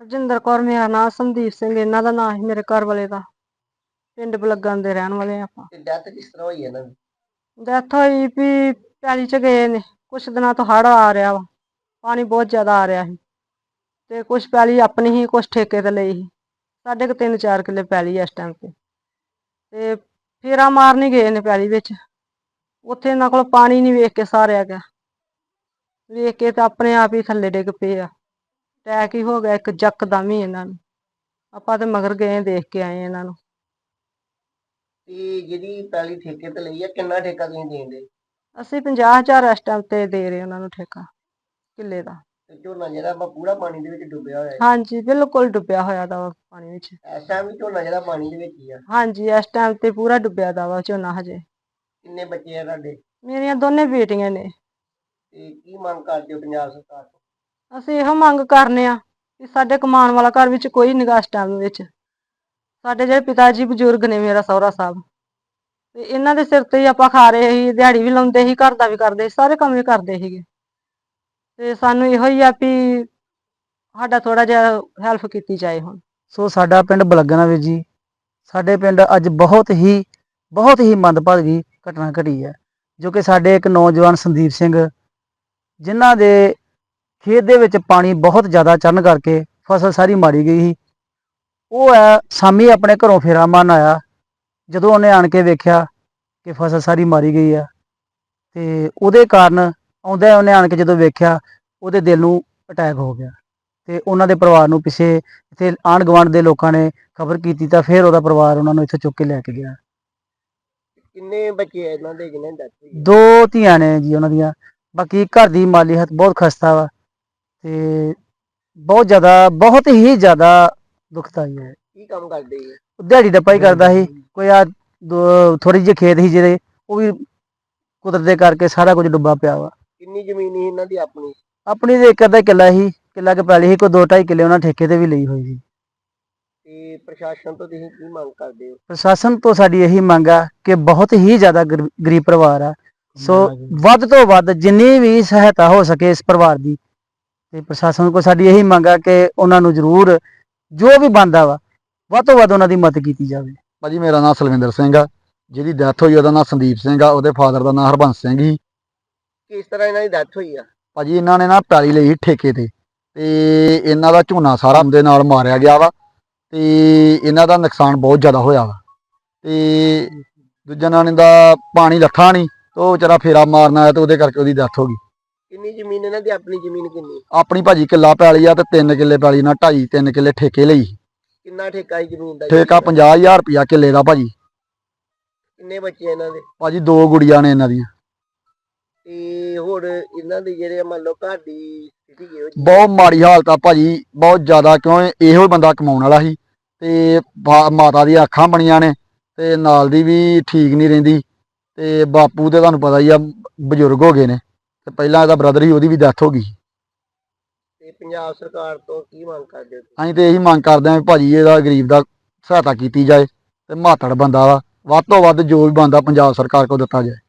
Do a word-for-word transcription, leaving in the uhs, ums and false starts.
ਹਰਜਿੰਦਰ ਕੌਰ ਮੇਰਾ ਨਾਂ, ਸੰਦੀਪ ਸਿੰਘ ਇਹਨਾਂ ਦਾ ਨਾਂ ਸੀ, ਮੇਰੇ ਘਰ ਵਾਲੇ ਦਾ। ਪਿੰਡ ਬਲੱਗਣ ਦੇ ਰਹਿਣ ਵਾਲੇ ਆਪਾਂ। ਤੇ ਡੈਥ ਕਿਸ ਤਰ੍ਹਾਂ ਹੋਈ ਇਹਨਾਂ ਦੀ? ਡੈਥ ਹੋਈ ਵੀ ਪੈਲੀ ਚ ਗਏ ਨੇ, ਕੁਛ ਦਿਨਾਂ ਤੋਂ ਹੜ੍ਹ ਆ ਰਿਹਾ ਵਾ, ਪਾਣੀ ਬਹੁਤ ਜ਼ਿਆਦਾ ਆ ਰਿਹਾ ਸੀ ਤੇ ਕੁਛ ਪੈਲੀ ਆਪਣੀ ਹੀ, ਕੁਛ ਠੇਕੇ ਤੇ ਲਈ ਸੀ। ਸਾਡੇ ਕੁ ਤਿੰਨ ਚਾਰ ਕਿੱਲੇ ਪੈਲੀ ਇਸ ਟਾਈਮ ਤੇ ਤੇ ਫੇਰਾ ਮਾਰਨ ਹੀ ਗਏ ਨੇ ਪੈਲੀ ਵਿੱਚ। ਉੱਥੇ ਇਹਨਾਂ ਕੋਲ ਪਾਣੀ ਨਹੀਂ ਵੇਖ ਕੇ ਸਾਰਿਆ ਗਿਆ, ਵੇਖ ਕੇ ਤਾਂ ਆਪਣੇ ਆਪ ਹੀ ਥੱਲੇ ਡਿੱਗ ਪਏ ਆ। ਅਟੈਕ ਹੀ ਹੋ ਗਿਆ ਇੱਕ ਯਕਦਮ ਹੀ ਇਹਨਾਂ ਨੂੰ। ਆਪਾਂ ਤੇ ਮਗਰ ਗਏ, ਦੇਖ ਕੇ ਆਏ ਇਹਨਾਂ ਨੂੰ। ਤੇ ਜਿਹੜੀ ਪੈਲੀ ਠੇਕੇ ਤੇ ਲਈ ਆ, ਕਿੰਨਾ ਠੇਕਾ ਤੁਸੀਂ ਦੇਂਦੇ? ਅਸੀਂ ਪੰਜਾਹ ਹਜ਼ਾਰ ਇਸ ਟਾਈਮ ਤੇ ਦੇ ਰਹੇ ਉਹਨਾਂ ਨੂੰ ਠੇਕਾ ਕਿੱਲੇ ਦਾ। ਤੇ ਝੋਨਾ ਜਿਹੜਾ ਵਾ ਪੂਰਾ ਪਾਣੀ ਦੇ ਵਿੱਚ ਡੁੱਬਿਆ ਹੋਇਆ ਹੈ? ਹਾਂਜੀ, ਬਿਲਕੁਲ ਡੁੱਬਿਆ ਹੋਇਆ ਦਾ ਵਾ ਪਾਣੀ ਵਿੱਚ। ਇਸ ਟਾਈਮ ਵੀ ਝੋਨਾ ਜਿਹੜਾ ਪਾਣੀ ਦੇ ਵਿੱਚ ਹੀ ਆ? ਹਾਂਜੀ, ਇਸ ਟਾਈਮ ਤੇ ਪੂਰਾ ਡੁੱਬਿਆ ਦਾ ਵਾ ਝੋਨਾ ਹਜੇ। ਕਿੰਨੇ ਬੱਚੇ ਆ ਤੁਹਾਡੇ? ਮੇਰੀਆਂ ਦੋਨੇ ਬੇਟੀਆਂ ਨੇ। ਤੇ ਕੀ ਮੰਗ ਕਰਦੇ ਹੋ ਪੰਜਾਬ ਸਰਕਾਰ ਤੋਂ? ਅਸੀਂ ਇਹੋ ਮੰਗ ਕਰਨੇ ਆ ਕਿ ਸਾਡੇ ਕਮਾਉਣ ਵਾਲਾ ਘਰ ਵਿੱਚ ਕੋਈ ਨਿਗਾ ਇਸ ਟਾਈਮ ਵਿੱਚ। ਸਾਡੇ ਜਿਹੜੇ ਪਿਤਾ ਜੀ ਬਜ਼ੁਰਗ ਨੇ, ਮੇਰਾ ਸਹੁਰਾ ਸਾਹਿਬ, ਤੇ ਇਹਨਾਂ ਦੇ ਸਿਰ ਤੇ ਹੀ ਆਪਾਂ ਖਾ ਰਹੇ ਸੀ, ਦਿਹਾੜੀ ਵੀ ਲਾਉਂਦੇ ਸੀ, ਘਰ ਦਾ ਵੀ ਕਰਦੇ ਸੀ, ਸਾਰੇ ਕੰਮ ਵੀ ਕਰਦੇ ਸੀਗੇ। ਤੇ ਸਾਨੂੰ ਇਹੋ ਹੀ ਆ ਵੀ ਸਾਡਾ ਥੋੜਾ ਜਿਹਾ ਹੈਲਪ ਕੀਤੀ ਜਾਏ ਹੁਣ। ਸੋ ਸਾਡਾ ਪਿੰਡ ਬਲੱਗਣ ਵੀਰ ਜੀ। ਸਾਡੇ ਪਿੰਡ ਅੱਜ ਬਹੁਤ ਹੀ ਬਹੁਤ ਹੀ ਮੰਦਭਾਗੀ ਘਟਨਾ ਘਟੀ ਹੈ, ਜੋ ਕਿ ਸਾਡੇ ਇੱਕ ਨੌਜਵਾਨ ਸੰਦੀਪ ਸਿੰਘ, ਜਿਨ੍ਹਾਂ ਦੇ ਖੇਤ ਦੇ ਵਿੱਚ ਪਾਣੀ ਬਹੁਤ ਜ਼ਿਆਦਾ ਚੜ੍ਹਨ ਕਰਕੇ ਫਸਲ ਸਾਰੀ ਮਾਰੀ ਗਈ ਸੀ। ਉਹ ਹੈ ਸ਼ਾਮੀ ਆਪਣੇ ਘਰੋਂ ਫੇਰਾ ਮਾਰਨ ਆਇਆ, ਜਦੋਂ ਉਹਨੇ ਆਣ ਕੇ ਵੇਖਿਆ ਕਿ ਫਸਲ ਸਾਰੀ ਮਾਰੀ ਗਈ ਆ, ਤੇ ਉਹਦੇ ਕਾਰਨ ਆਉਂਦਾ ਉਹਨੇ ਆਣ ਕੇ ਜਦੋਂ ਵੇਖਿਆ, ਉਹਦੇ ਦਿਲ ਨੂੰ ਅਟੈਕ ਹੋ ਗਿਆ। ਤੇ ਉਹਨਾਂ ਦੇ ਪਰਿਵਾਰ ਨੂੰ ਪਿੱਛੇ ਇੱਥੇ ਆਂਢ ਗੁਆਂਢ ਦੇ ਲੋਕਾਂ ਨੇ ਖਬਰ ਕੀਤੀ, ਤਾਂ ਫਿਰ ਉਹਦਾ ਪਰਿਵਾਰ ਉਹਨਾਂ ਨੂੰ ਇੱਥੇ ਚੁੱਕ ਕੇ ਲੈ ਕੇ ਗਿਆ। ਕਿੰਨੇ ਬੱਚੇ ਆ ਇਹਨਾਂ ਦੇ ਜਿਹਨਾਂ ਦੀ ਡੈਥ ਹੋਈ? ਦੋ ਧੀਆਂ ਨੇ ਜੀ ਉਹਨਾਂ ਦੀਆਂ। ਬਾਕੀ ਘਰ ਦੀ ਮਾਲੀ ਹਾਲਤ ਬਹੁਤ ਖਸਤਾ ਵਾ ਤੇ ਬਹੁਤ ਜ਼ਿਆਦਾ ਬਹੁਤ ਹੀ ਜ਼ਿਆਦਾ ਦੁਖਦਾਈ ਹੈ। ਕੀ ਕੰਮ ਕਰਦੇ ਜੀ? ਦਿਹਾੜੀ ਡੱਪਾ ਹੀ ਕਰਦਾ ਸੀ। ਕੋਈ ਆ ਥੋੜੀ ਜਿਹੀ ਖੇਤ ਸੀ ਜਿਹੜੇ, ਉਹ ਵੀ ਕੁਦਰਤ ਦੇ ਕਰਕੇ ਸਾਰਾ ਕੁਝ ਡੁੱਬਾ ਪਿਆ ਵਾ। ਕਿੰਨੀ ਜ਼ਮੀਨ ਸੀ ਇਹਨਾਂ ਦੀ ਆਪਣੀ? ਆਪਣੀ ਤੇ ਇੱਕ ਅੱਧਾ ਕਿੱਲਾ ਸੀ, ਕਿੱਲਾ ਕੁ ਪੈਲੀ ਸੀ, ਕੋਈ ਦੋ ਢਾਈ ਕਿੱਲੇ ਉਹਨਾਂ ਠੇਕੇ ਤੇ ਵੀ ਲਈ ਹੋਈ ਸੀ। ਤੇ ਪ੍ਰਸ਼ਾਸਨ ਤੋਂ ਤੁਸੀਂ ਕੀ ਮੰਗ ਕਰਦੇ ਹੋ? ਪ੍ਰਸ਼ਾਸਨ ਤੋਂ ਸਾਡੀ ਇਹੀ ਮੰਗ ਆ ਕਿ ਬਹੁਤ ਹੀ ਜ਼ਿਆਦਾ ਗਰੀਬ ਪਰਿਵਾਰ ਆ, ਸੋ ਵੱਧ ਤੋਂ ਵੱਧ ਜਿੰਨੀ ਵੀ ਸਹਾਇਤਾ ਹੋ ਸਕੇ ਇਸ ਪਰਿਵਾਰ ਦੀ, ਤੇ ਪ੍ਰਸ਼ਾਸਨ ਕੋਲ ਸਾਡੀ ਇਹੀ ਮੰਗ ਆ ਕਿ ਉਹਨਾਂ ਨੂੰ ਜ਼ਰੂਰ ਜੋ ਵੀ ਬਣਦਾ ਵਾ ਵੱਧ ਤੋਂ ਵੱਧ ਉਹਨਾਂ ਦੀ ਮਦਦ ਕੀਤੀ ਜਾਵੇ। ਭਾਜੀ ਮੇਰਾ ਨਾਮ ਸਲਵਿੰਦਰ ਸਿੰਘ ਆ, ਜਿਹਦੀ ਡੈਥ ਹੋਈ ਉਹਦਾ ਨਾਮ ਸੰਦੀਪ ਸਿੰਘ ਆ, ਉਹਦੇ ਫਾਦਰ ਦਾ ਨਾਮ ਹਰਬੰਸ ਸਿੰਘ ਸੀ। ਕਿਸ ਤਰ੍ਹਾਂ ਇਹਨਾਂ ਦੀ ਡੈਥ ਹੋਈ ਆ? ਭਾਜੀ ਇਹਨਾਂ ਨੇ ਨਾ ਪੈਲੀ ਲਈ ਠੇਕੇ ਤੇ, ਤੇ ਇਹਨਾਂ ਦਾ ਝੋਨਾ ਸਾਰਾ ਦੇ ਨਾਲ ਮਾਰਿਆ ਗਿਆ ਵਾ, ਤੇ ਇਹਨਾਂ ਦਾ ਨੁਕਸਾਨ ਬਹੁਤ ਜ਼ਿਆਦਾ ਹੋਇਆ ਵਾ। ਤੇ ਦੂਜਾ ਨਾਂ ਦਾ ਪਾਣੀ ਲੱਥਾ ਨਹੀਂ, ਤੇ ਉਹ ਵਿਚਾਰਾ ਫੇਰਾ ਮਾਰਨ ਆਇਆ, ਤੇ ਉਹਦੇ ਕਰਕੇ ਉਹਦੀ ਡੈਥ ਹੋ ਗਈ। ਕਿੰਨੀ ਜ਼ਮੀਨ ਇਹਨਾਂ ਦੀ ਆਪਣੀ ਜ਼ਮੀਨ ਕਿੰਨੀ? ਆਪਣੀ ਭਾਜੀ ਕਿੱਲਾ ਪੈਲੀ ਆ, ਤੇ ਤਿੰਨ ਕਿੱਲੇ ਪੈਲੀ ਨਾਲ ਢਾਈ ਤਿੰਨ ਕਿੱਲੇ ਠੇਕੇ ਲਈ। ਕਿੰਨਾ ਠੇਕਾ ਸੀ ਜ਼ਮੀਨ ਦਾ? ਠੇਕਾ ਪੰਜਾਹ ਹਜ਼ਾਰ ਰੁਪਇਆ ਕਿੱਲੇ ਦਾ ਭਾਜੀ। ਕਿੰਨੇ ਬੱਚੇ ਇਹਨਾਂ ਦੇ? ਭਾਜੀ ਦੋ ਗੁੜੀਆਂ ਨੇ ਇਹਨਾਂ ਦੀਆਂ। ਤੇ ਹੋਰ ਇਹਨਾਂ ਦੀ ਜਿਹੜੇ ਮੰਨ ਲਓ ਘਰ ਦੀ ਸਥਿਤੀ ਕਿਹੋ ਜਿਹੀ? ਬਹੁਤ ਮਾੜੀ ਹਾਲਤ ਆ ਭਾਜੀ, ਬਹੁਤ ਜ਼ਿਆਦਾ, ਕਿਉਂ ਇਹੋ ਹੀ ਬੰਦਾ ਕਮਾਉਣ ਵਾਲਾ ਸੀ, ਤੇ ਮਾਤਾ ਦੀਆਂ ਅੱਖਾਂ ਬਣੀਆਂ ਨੇ, ਤੇ ਨਾਲ ਦੀ ਵੀ ਠੀਕ ਨਹੀਂ ਰਹਿੰਦੀ, ਤੇ ਬਾਪੂ ਤੇ ਤੁਹਾਨੂੰ ਪਤਾ ਹੀ ਆ ਬਜ਼ੁਰਗ ਹੋ ਗਏ ਨੇ, ਤੇ ਪਹਿਲਾਂ ਇਹਦਾ ਬ੍ਰਦਰ ਹੀ, ਉਹਦੀ ਵੀ ਡੈਥ ਹੋ ਗਈ। ਤੇ ਪੰਜਾਬ ਸਰਕਾਰ ਤੋਂ ਕੀ ਮੰਗ ਕਰਦੇ ਹੋ? ਅਸੀਂ ਤੇ ਇਹੀ ਮੰਗ ਕਰਦੇ ਹਾਂ ਵੀ ਭਾਜੀ ਇਹਦਾ ਗਰੀਬ ਦਾ ਸਹਾਇਤਾ ਕੀਤੀ ਜਾਏ, ਤੇ ਮਾਤੜ ਬੰਦਾ ਵਾ, ਵੱਧ ਤੋਂ ਵੱਧ ਜੋ ਵੀ ਬਣਦਾ ਪੰਜਾਬ ਸਰਕਾਰ ਕੋਲ ਦਿੱਤਾ ਜਾਏ।